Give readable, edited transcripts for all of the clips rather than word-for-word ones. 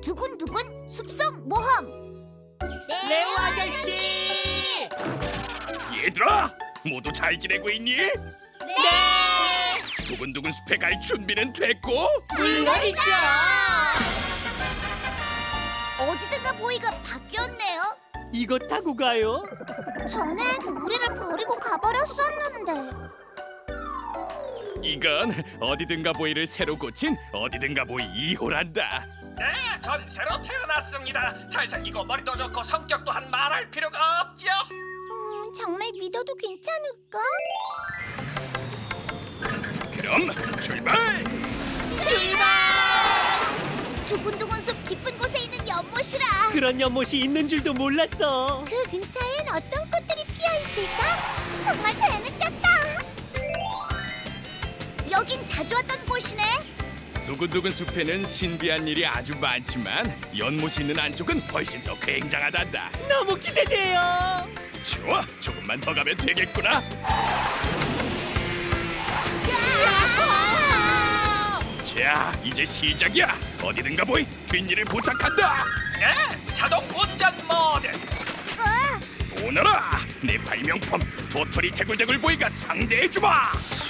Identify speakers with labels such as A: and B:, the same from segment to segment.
A: 두근두근 숲속 모험.
B: 레오 아저씨!
C: 얘들아, 모두 잘 지내고 있니?
A: 네.
C: 두근두근 숲에 갈 준비는 됐고?
B: 물론이죠!
A: 어디든가 보이가 바뀌었네요.
B: 이거 타고 가요?
A: 전엔 우리를 버리고 가버렸었는데.
C: 이건 어디든가 보이를 새로 고친 어디든가 보이 2호란다.
D: 네, 전 새로 태어났습니다. 잘생기고 머리도 좋고 성격 또한 말할 필요가 없죠.
A: 정말 믿어도 괜찮을까?
C: 그럼 출발!
A: 출발! 두근두근 숲 깊은 곳에 있는 연못이라.
B: 그런 연못이 있는 줄도 몰랐어.
A: 그 근처엔 어떤 꽃들이 피어 있을까? 정말 재밌겠다. 여긴 자주 왔던 곳이네.
C: 두근두근 숲에는 신비한 일이 아주 많지만 연못이 있는 안쪽은 훨씬 더 굉장하단다.
B: 너무 기대돼요.
C: 좋아, 조금만 더 가면 되겠구나. 자, 이제 시작이야. 어디든가 보이 뒷일을 부탁한다.
D: 네, 자동 운전 모드.
C: 오너라, 내 발명품 도토리 대굴대굴 보이가 상대해주마.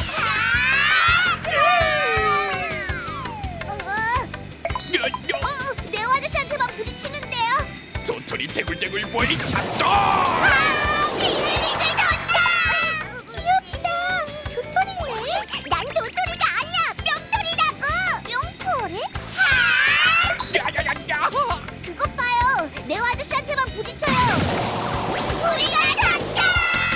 A: 레오 아저씨한테만 부딪히는데요.
C: 도토리 대굴대굴 보이 작동.
A: 빙글빙글 돈다. 귀엽다. 도토리네. 난 도토리가 아니야. 뿅토리라고. 뿅토리?
C: 야야야야.
A: 그것 봐요. 레오 아저씨한테만 부딪혀요. 우리가 졌다.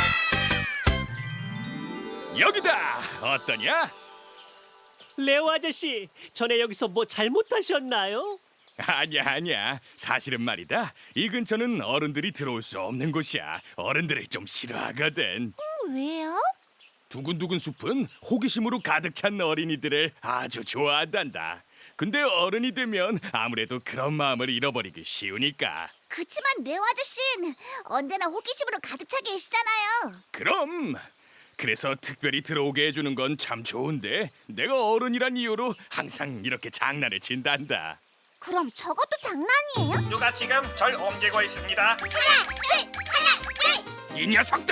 C: 여기다. 어떠냐?
B: 레오 아저씨, 전에 여기서 뭐 잘못하셨나요?
C: 아니야. 사실은 말이다. 이 근처는 어른들이 들어올 수 없는 곳이야. 어른들을 좀 싫어하거든.
A: 왜요?
C: 두근두근 숲은 호기심으로 가득 찬 어린이들을 아주 좋아한단다. 근데 어른이 되면 아무래도 그런 마음을 잃어버리기 쉬우니까.
A: 그치만 레오 아저씨는 언제나 호기심으로 가득 차 계시잖아요.
C: 그럼 그래서 특별히 들어오게 해주는 건 참 좋은데 내가 어른이란 이유로 항상 이렇게 장난을 친단다.
A: 그럼 저것도 장난이에요?
D: 누가 지금 절 옮기고 있습니다.
A: 하나, 둘!
C: 이 녀석들!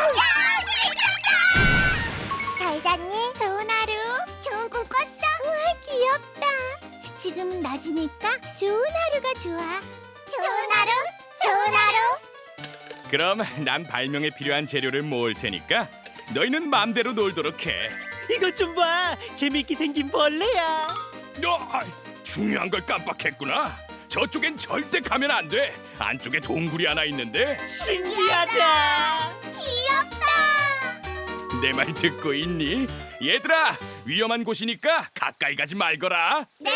A: 잘 잤니? 좋은 하루. 좋은 꿈 꿨어? 우와, 귀엽다. 지금은 낮이니까 좋은 하루가 좋아. 좋은 하루, 좋은 하루.
C: 그럼 난 발명에 필요한 재료를 모을 테니까 너희는 마음대로 놀도록 해.
B: 이것 좀 봐. 재밌게 생긴 벌레야.
C: 중요한 걸 깜빡했구나. 저쪽엔 절대 가면 안 돼. 안쪽에 동굴이 하나 있는데.
B: 신기하다.
A: 귀엽다.
C: 내 말 듣고 있니? 얘들아, 위험한 곳이니까 가까이 가지 말거라.
A: 네.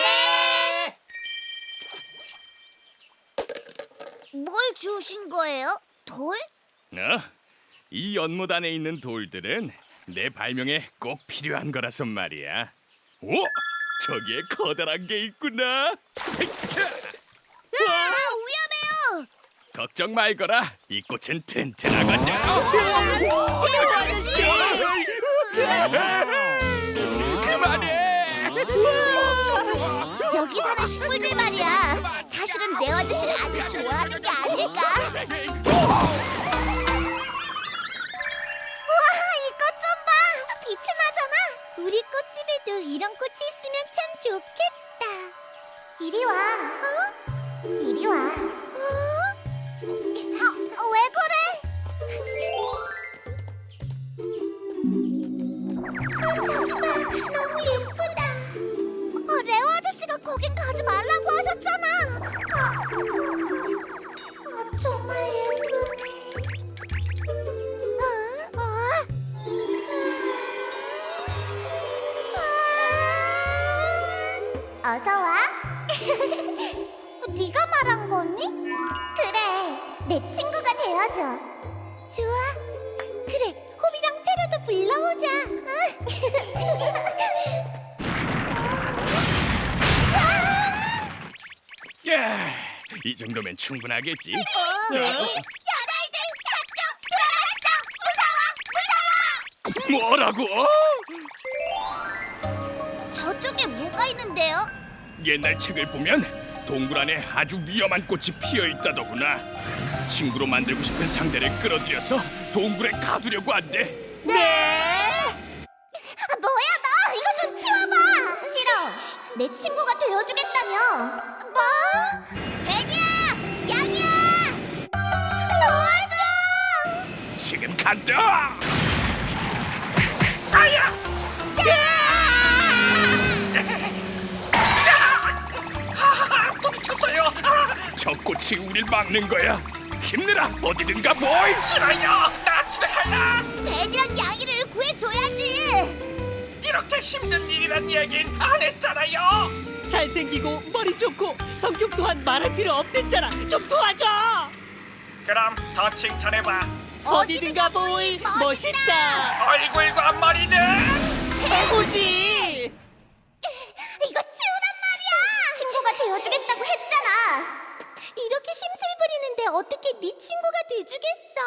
A: 뭘 주우신 거예요? 돌?
C: 이 연못 안에 있는 돌들은 내 발명에 꼭 필요한 거라서 말이야. 오, 저기에 커다란 게 있구나. 헤이차!
A: 아, 위험해요.
C: 걱정 말거라. 이 꽃은 튼튼하거든.
A: 레오 아저씨.
C: 그만해.
A: 여기 사는 식물들 말이야. 사실은 레오 아저씨를 아주 좋아하는 게 아닐까? 와, 이 꽃 좀 봐. 빛이 나잖아. 우리 꽃집에도 이런 꽃이 있으면 참 좋겠다. 이리 와. 이리 와. 왜 그래? 저기 봐, 너무 예쁘다. 레오 아저씨가 거긴 가지 말라고 하셨잖아. 정말 예쁘네. 어서 와. 네가 말한 거니? 그래, 내 친구가 되어줘. 좋아. 그래, 호비랑 페로도 불러오자.
C: 야, 이 정도면 충분하겠지.
A: 여자애들 저쪽 들어갔어. 무서워.
C: 뭐라고?
A: 저쪽에 뭐가 있는데요?
C: 옛날 책을 보면 동굴 안에 아주 위험한 꽃이 피어 있다더구나. 친구로 만들고 싶은 상대를 끌어들여서 동굴에 가두려고 한대.
A: 네. 뭐야 너 이거 좀 치워봐. 싫어. 내 친구가 되어주겠다며. 뭐? 베니야, 양이야, 도와줘.
C: 지금 간다.
D: 아야! 부딪혔어요.
C: 저 꽃이 우릴 막는 거야. 힘내라. 어디든가 보이.
D: 싫어요. 나 집에 갈라.
A: 베니랑 양이를 구해줘야지.
D: 이렇게 힘든 일이란 얘긴 안 했잖아요.
B: 잘생기고 머리 좋고 성격 또한 말할 필요 없댔잖아. 좀 도와줘.
D: 그럼 더 칭찬해봐.
B: 어디든가 보이 멋있다.
D: 얼굴과 머리는
B: 최고지.
A: 이거 치우란 말이야. 친구가 되어주겠다고 했잖아. 이렇게 심술 부리는데 어떻게 네 친구가 돼주겠어?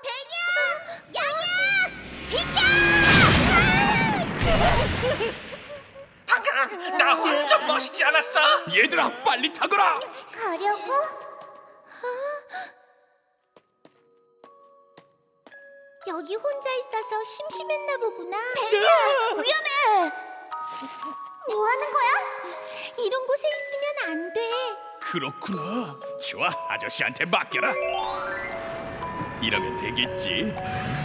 A: 베니야, 양이야, 비켜!
D: 방금 나 완전 멋있지 않았어?
C: 얘들아, 빨리 타거라.
A: 가려고? 여기 혼자 있어서 심심했나 보구나. 베니야, 위험해. 뭐 하는 거야? 이런 곳에 있으면 안 돼.
C: 그렇구나. 좋아, 아저씨한테 맡겨라. 이러면 되겠지.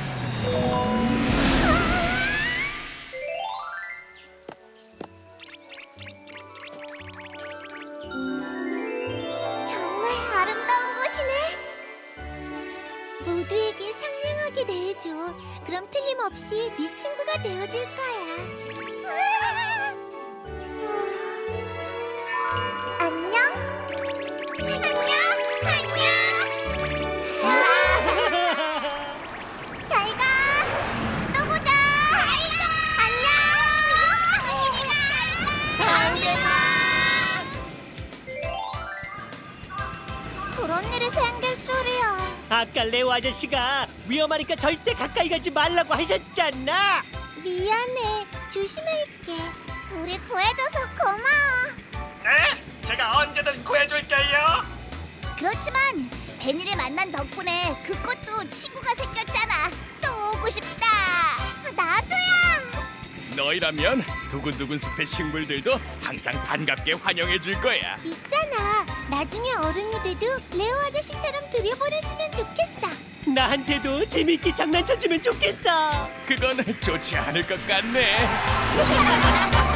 A: 정말 아름다운 곳이네. 모두에게 상냥하게 대해줘. 그럼 틀림없이 네 친구가 되어줄 거야. 안녕? 안녕? 잘 가. 또 보자. 안녕. 다음에 봐. 그런 일이 생길 줄이야.
B: 아까 레오 아저씨가 위험하니까 절대 가까이 가지 말라고 하셨잖아.
A: 미안해. 조심할게. 우리 구해줘서 고마워.
D: 네? 제가 언제든 구해줄게요.
A: 그렇지만 베니를 만난 덕분에 그 꽃도 친구가 생겼잖아. 또 오고 싶다. 나도야.
C: 너희라면 두근두근 숲의 식물들도 항상 반갑게 환영해 줄 거야.
A: 있잖아. 나중에 어른이 돼도 레오 아저씨처럼 들여보내주면 좋겠어.
B: 나한테도 재밌게 장난쳐주면 좋겠어.
C: 그건 좋지 않을 것 같네.